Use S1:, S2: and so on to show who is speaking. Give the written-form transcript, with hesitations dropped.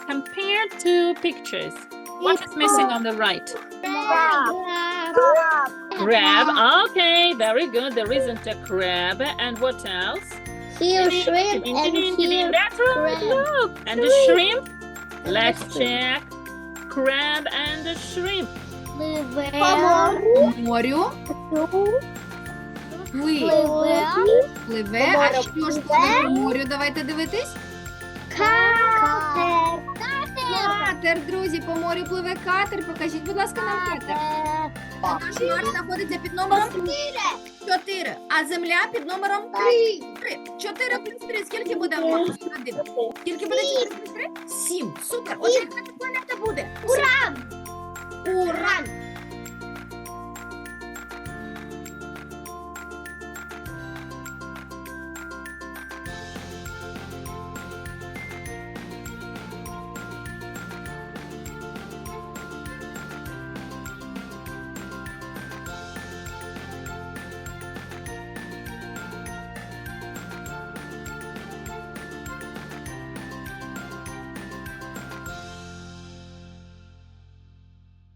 S1: compare two pictures. What is missing on the right? Crab. Okay, very good. There isn't a crab. And what else?
S2: Here shrimp and here
S1: That's right.
S2: crab.
S1: Look. And the shrimp? Let's check. Crab and the shrimp.
S3: По морю. Пливе. А що ж пливе по морю? Давайте дивитись. Катер, друзі, по морю пливе катер. Покажіть, будь ласка, нам катер. Наш Марс знаходиться під номером 4, а Земля під номером 3. 4 плюс 3. Скільки буде, Марс? Скільки буде 4 плюс 3? 7. Супер. Отже,